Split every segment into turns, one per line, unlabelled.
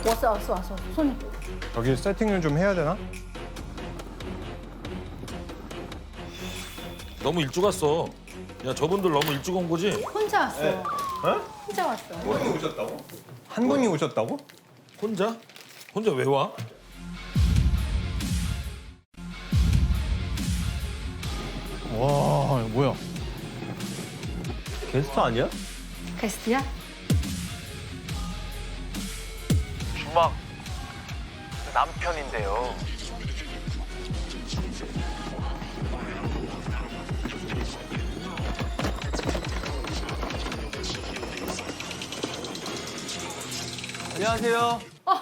왔어. 손이.
여기 세팅을 좀 해야 되나?
너무 일찍 왔어. 야, 저분들 너무 일찍 온 거지?
혼자 왔어.
어?
혼자 왔어.
한 분이 오셨다고?
혼자? 혼자 왜 와?
와, 이거 뭐야?
게스트 아니야?
게스트야?
주막 남편인데요.
안녕하세요.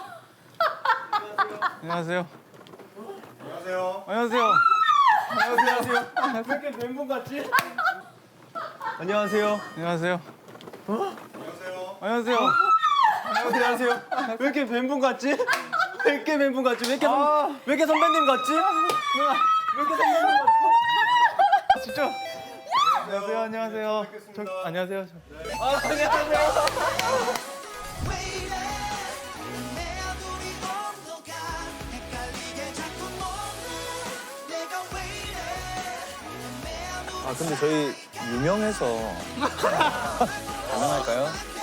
안녕하세요.
안녕하세요.
안녕하세요.
안녕하세요. 왜 이렇게 멘붕 같지? 안녕하세요.
안녕하세요.
안녕하세요.
안녕하세요.
안녕하세요. 왜 이렇게 멘붕 같지? 왜 이렇게 멘붕 같지? 왜 이렇게 선배님 같지? 누나, 왜 이렇게 선배님 같지?
진짜. 안녕하세요. 안녕하세요. 안녕하세요. 아 근데 저희 유명해서 가능할까요?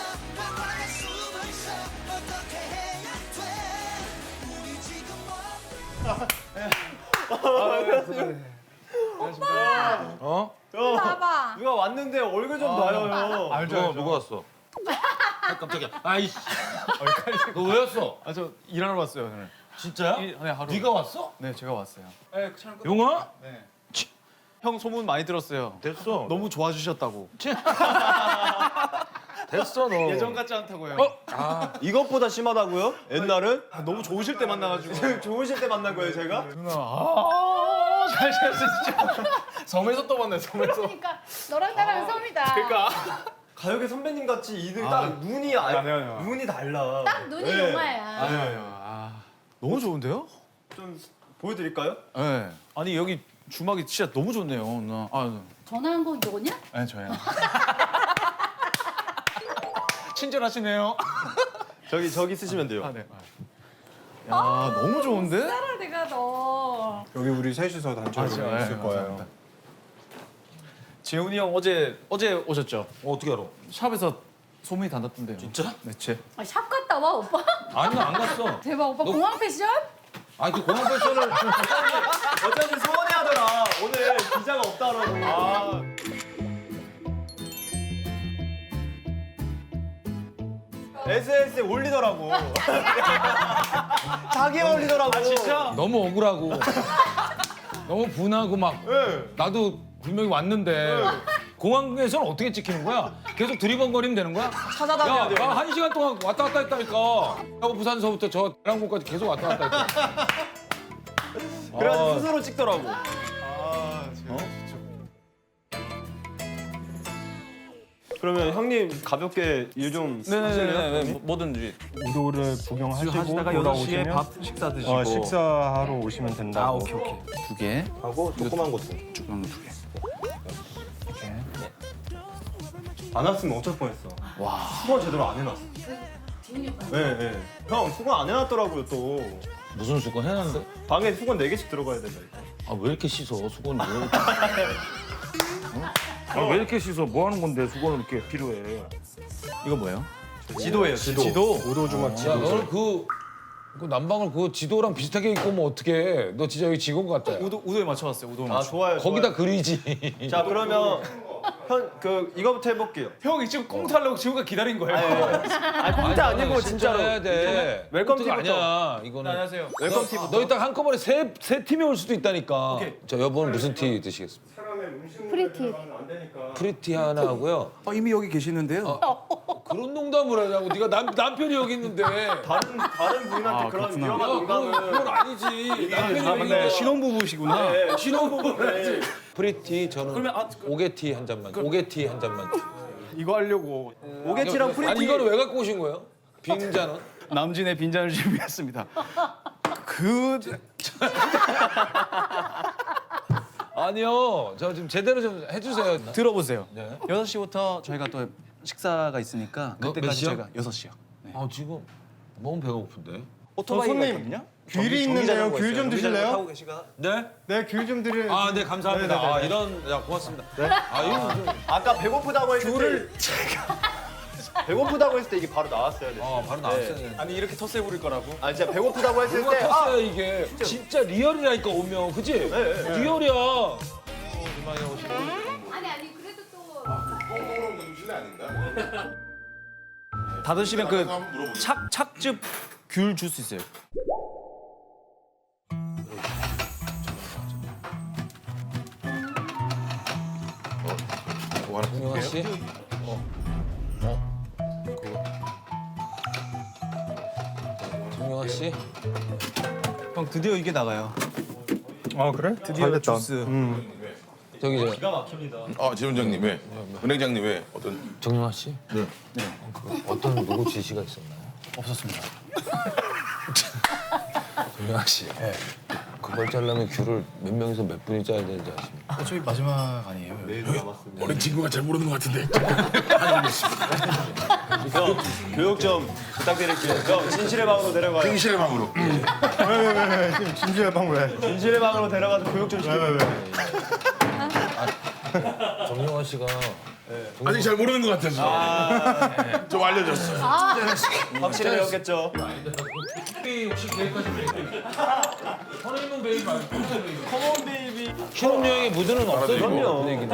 어?
봐봐.
누가 왔는데 얼굴 좀 봐요.
알죠. 누가 왔어? 아, 깜짝이야. 아이씨. 너 왜 왔어?
아 저 일하러 왔어요 오늘.
진짜야?
네 하루.
네가 왔어?
네 제가 왔어요. 네 촬영 끝.
용아?
네. 형 소문 많이 들었어요.
됐어.
너무 좋아주셨다고.
됐어, 너.
예전 같지 않다고요.
이것보다 심하다고요? 옛날은?
너무 좋으실 때 만나가지고.
좋으실 때 만난 거예요, 제가?
누나 잘 지냈어 진짜. 섬에서 또 만나요 섬에서.
그러니까 너랑 나랑 섬이다.
그러니까.
가요계 선배님 같이 이들 딱 눈이
아니요.
눈이 달라.
딱 눈이
네.
용화야.
아유, 너무 좋은데요?
좀 보여드릴까요?
네. 아니 여기 주막이 진짜 너무 좋네요 누나. 아,
전화한 건 너냐?
네 저예요. 친절하시네요.
저기 쓰시면 돼요.
아 네. 야 너무 좋은데?
따라 내가 너.
여기 우리 셋이서 단체로 있을 거예요.
감사합니다. 재훈이 형 어제 오셨죠?
어떻게 알아?
샵에서 소문이 다 났던데요.
진짜?
네, 제.
아, 샵 갔다 와 오빠.
아니, 나 안 갔어.
대박 오빠
너-
공항 패션?
아니, 그 공항 패션을.
어쩐지 소원해하더라. 오늘 기자가 없다라고. SNS에 올리더라고. 자기 올리더라고. 아 진짜?
너무 억울하고. 너무 분하고 막.
네.
나도 분명히 왔는데. 공항에서는 어떻게 찍히는 거야? 계속 드리번거리면 되는 거야?
찾아다녀야
야,
돼요.
나 1시간 동안 왔다 갔다 했다니까. 하고 부산서부터 저 대랑국까지 계속 왔다 갔다 했다.
그래가지고
아.
스스로 찍더라고. 그러면 형님 가볍게 일 좀 하실래요?
네네네 뭐든지.
우도를 구경하시고
하시다가 6시에 밥 식사 드시고.
식사하러 오시면 된다고.
아 오케이. 두 개.
하고 조그만 것도.
조그만 거 두 개.
안 왔으면 어쩔 뻔했어.
와.
수건 제대로 안 해놨어.
지훈이 오빠.
네. 형 수건 안 해놨더라고요 또.
무슨 수건 해놨는데?
방에 수건 4개씩 들어가야 된다니까.
아, 왜 이렇게 씻어, 수건을? 아, 왜 이렇게 씻어? 뭐 하는 건데 수건을 이렇게 필요해?
이거 뭐예요?
지도예요 지도. 우도 주막
야,
지도.
너는 그 난방을 그 지도랑 비슷하게 입고 오면 어떡해? 너 진짜 여기 직원 같다. 야.
우도에 맞춰왔어요. 우도에
아
맞춰.
좋아요.
거기다
좋아요.
그리지.
자 그러면 이거부터 해볼게요.
형이 지금 꽁트 하려고 지우가 기다린 거예요.
꽁트 아니고 진짜로.
해야 돼.
웰컴
꽁트가
티부터.
아니야. 이거는.
안녕하세요.
웰컴 티부터.
너 이따 한꺼번에 세 팀이 올 수도 있다니까.
오케이.
저 여보는 무슨 티 드시겠습니까?
프리티.
프리티 하나 하고요.
이미 여기 계시는데요.
그런 농담을 하냐고. 네가 남편이 여기 있는데.
다른 부인한테
아,
그런
그렇구나.
위험한
그건
농담을.
아니지. 남편이 여기 있는데.
신혼부부시구나.
네.
신혼부부를. 프리티 저는
그러면
오게티 한 잔만. 오게티 한 잔만.
이거 하려고
오게티랑 프리티.
아니 이거는 왜 갖고 오신 거예요? 빈잔은?
남진의 빈잔을 준비했습니다. 그
아니요. 저 지금 제대로 좀 해주세요.
들어보세요.
네.
6시부터 저희가 또 식사가 있으니까
몇
그때까지
시요?
저희가 6시요. 네.
아 지금 너무 배가 고픈데.
오토바이가
손님.
있거든요.
귤이 있는데요. 귤 좀 드실래요?
네?
네, 귤 좀 드릴.
아, 네, 감사합니다.
네네네.
아, 이런, 야, 고맙습니다. 아, 이거 좀,
아까 배고프다고 했을 때 배고프다고 했을 때 이게 바로 나왔어야 돼.
바로 나왔어요. 네.
아니 이렇게 텃세 부릴 거라고? 아 진짜 배고프다고 했을
뭐가
때
컸어요, 이게. 진짜 리얼이라니까, 오면. 그치? 리얼이야. 이만희 오시고.
아니 그래도 또
다 드시면 그 착즙 귤 줄 수 있어요.
정영아 씨? 정영아 씨?
형 드디어 이게 나가요.
아 그래?
드디어 주스.
저기,
지점장님 왜? 은행장님 왜? 어떤?
정영아 씨? 네. 어떤 누구 지시가 있었나요?
없었습니다.
정영아 씨. 네. 그걸 짜려면 귤을 몇 명이서 몇 분이 짜야 되는지 아십니까?
어차피 마지막 아니에요.
어린 친구가 잘 모르는 것 같은데.
형 교육 좀 부탁드릴게요. 형 진실의 방으로 데려가요.
행실의 방으로.
왜? 지금 진지한 방 왜?
진실의 방으로 데려가서 교육 좀 시켜요.
정영아 씨가
아직 잘 모르는 것 같아서. 좀 알려줬어요.
확실히 배웠겠죠.
혹시 계획하신 베이비? 허니문 베이비 말고 커먼 베이비. 신혼여행의 무드는 없어요.
그럼요.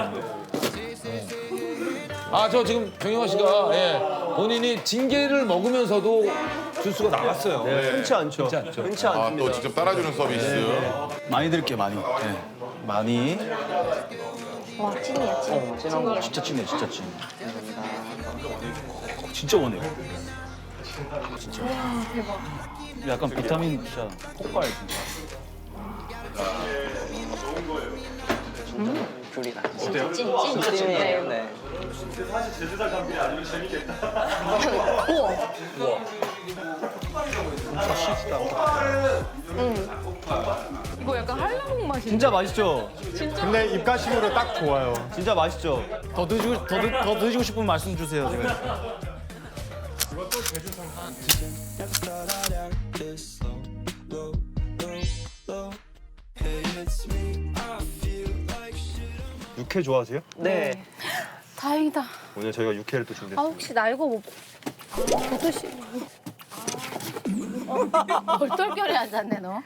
아, 저 지금 정영아 씨가 본인이 징계를 먹으면서도 주스가 나갔어요.
흔치 않죠. 흔치
아,
않습니다.
또 직접 따라주는 서비스.
많이 드릴게요, 많이. 네. 많이.
와 찐이야 찐. 찐이야.
진짜 찐해, 진짜 찐. 진짜 원해요. 진짜. 대박. 약간 비타민 진짜 폭발 진짜.
찐이에요. 네.
이거 약간 한라봉 맛이.
진짜 맛있죠?
근데 입가심으로 딱 좋아요.
진짜 맛있죠? 더 드시고 싶으면 말씀 주세요, 제가. 육회 좋아하세요?
네.
다행이다.
오늘 저희가 육회를 또
아
준비했어요.
혹시 나 이거 못 드시. 얼떨결에 앉았네 너.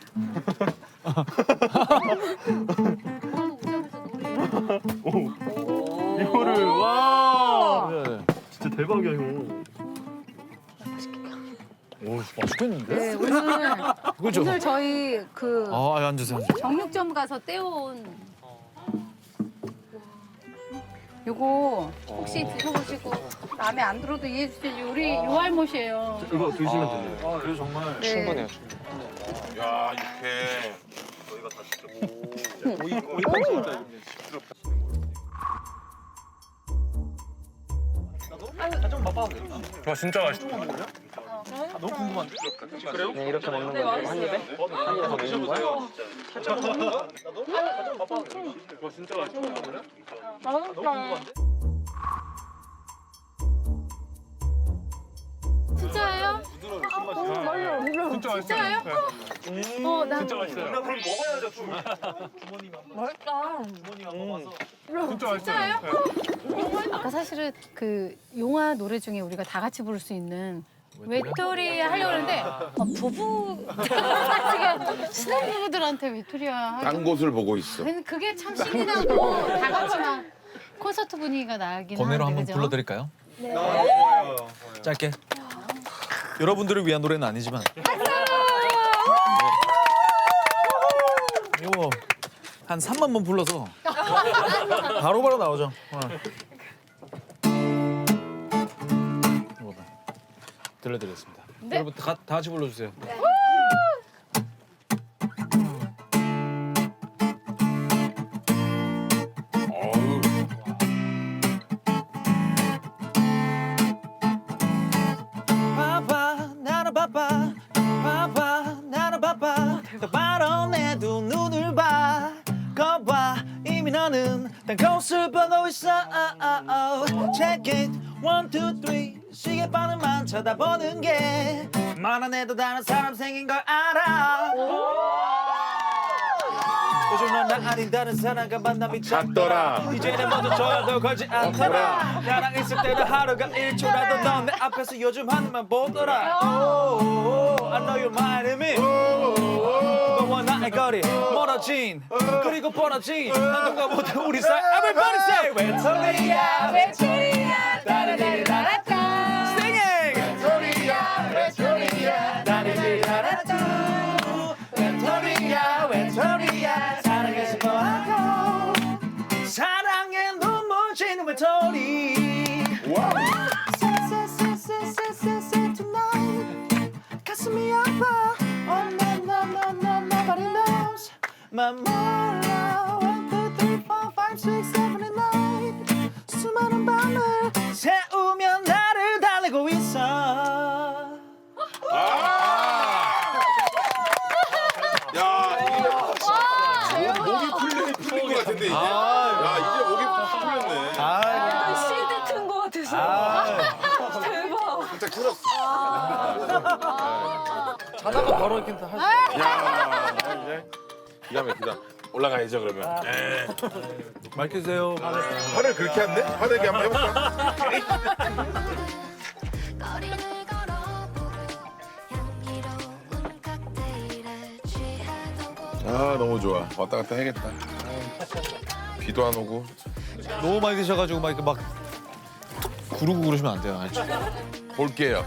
이거를 와 진짜 대박이야 형.
네 오늘 저희 그
앉으세요.
정육점 가서 떼온 요거 혹시 드셔보시고 마음에 안 들어도 이해해 주세요. 우리 요알못이에요.
이거 드시면 돼요.
그래서 정말
충분해요.
야, 이렇게.
네 이렇게 먹는 건데 한 입에? 한 입에 더 먹는 거야?
진짜예요? 진짜예요? 나 진짜 맛있어요. 나 그럼 먹어야죠. 맛있다. 진짜예요? 아까 사실은 그 용화 노래 중에 우리가 다 같이 부를 수 있는 외톨이 하려고 했는데 부부 지금 신혼부부들한테 외톨이야.
딴 곳을 보고 있어.
근데 그게 참 신이 나고 다 같이 막 콘서트 분위기가 나긴
번외로
하는데
한번
그죠?
불러드릴까요? 짧게. 여러분들을 위한 노래는 아니지만. 이거 한 3만 번 불러서 바로바로 나오죠. 이거 봐. 들려드리겠습니다.
네.
여러분 다 같이 불러주세요.
바빠 나는 바빠 바빠 나는 바빠 바로 내 두 눈을 봐 거봐 이미 너는 딴 곳을 보고 있어 Check it 1, 2, 3 시계바늘만 쳐다보는 게 말안 해도 다른 사람 생긴 걸 알아 요즘 넌 나 아닌 다른 사람과 만남이 잦더라 이제는 먼저 전화도 걸지 않더라 나랑 있을 때는 하루가 1초라도 넌 내 앞에서 요즘 하늘만 보더라 I know you're my enemy 너와 나의 거리 멀어진 그리고 벌어진 한동안보다 우리 사이 Everybody say 외톨이야
외톨이야 따라라라라따
Singing
외톨이야 외톨이야 따라라라라따
외톨이야 외톨이야 사랑해 싶어하고 사랑에 눈물 지는 외톨이 tonight 가슴이 아파 Oh no no no no nobody knows 맘 몰라 1, 2, 3, 4, 5, 6, 7, 8 수많은 밤을 새우며 나를 달래고 있어
야, 이게 목이 풀린 것 같은데 이제. 야, 이제 목이 풀렸네.
CD 튼 거 같아서. 대박.
진짜 풀었어.
자다가 바로 이렇게 할 수.
야, 이제 기가 막히다. 올라가야죠 그러면.
밝히세요.
화를 그렇게 한대? 화내게 한번 해볼까?
거리를 걸어보고 향기로운 칵테일에 취하던
아, 너무 좋아. 왔다 갔다 해야겠다. 비도 안 오고.
너무 많이 드셔가지고 막 이렇게 막 구르고 그러시면 안 돼요. 알죠?
볼게요.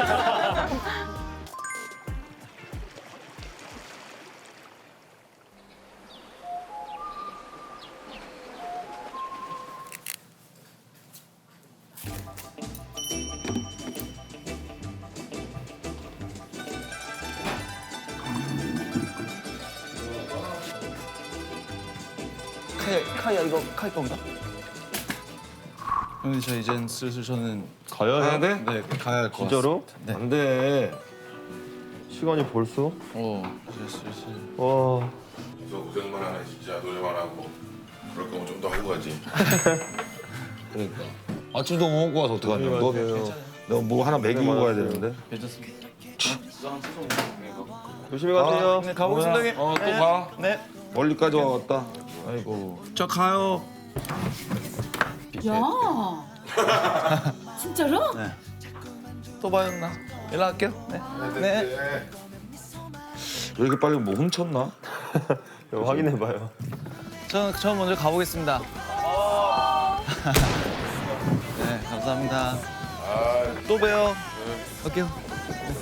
카야 이거 카이 건가?
형님 저 이젠 슬슬 저는 가야
돼?
네 가야 할 것 같아요.
진짜로?
네.
안 돼. 시간이 벌써?
이제 슬슬.
와.
너 고생만 하네 진짜 노래만 하고. 그럴 거면 좀 더 하고 가지.
그러니까. 아침도 못 먹고 와서 어떡하냐.
너 뭐 하나 먹이고 가야 되는데.
괜찮습니다.
조심히 가세요.
네 가보겠습니다 형님
또 가.
네
멀리까지 와왔다.
아이고.
저 가요
야 진짜로?
또 봐요 누나 연락할게요 네.
왜 이렇게 빨리 뭐 훔쳤나? 확인해봐요.
저 먼저 가보겠습니다 네 감사합니다 또 봬요 갈게요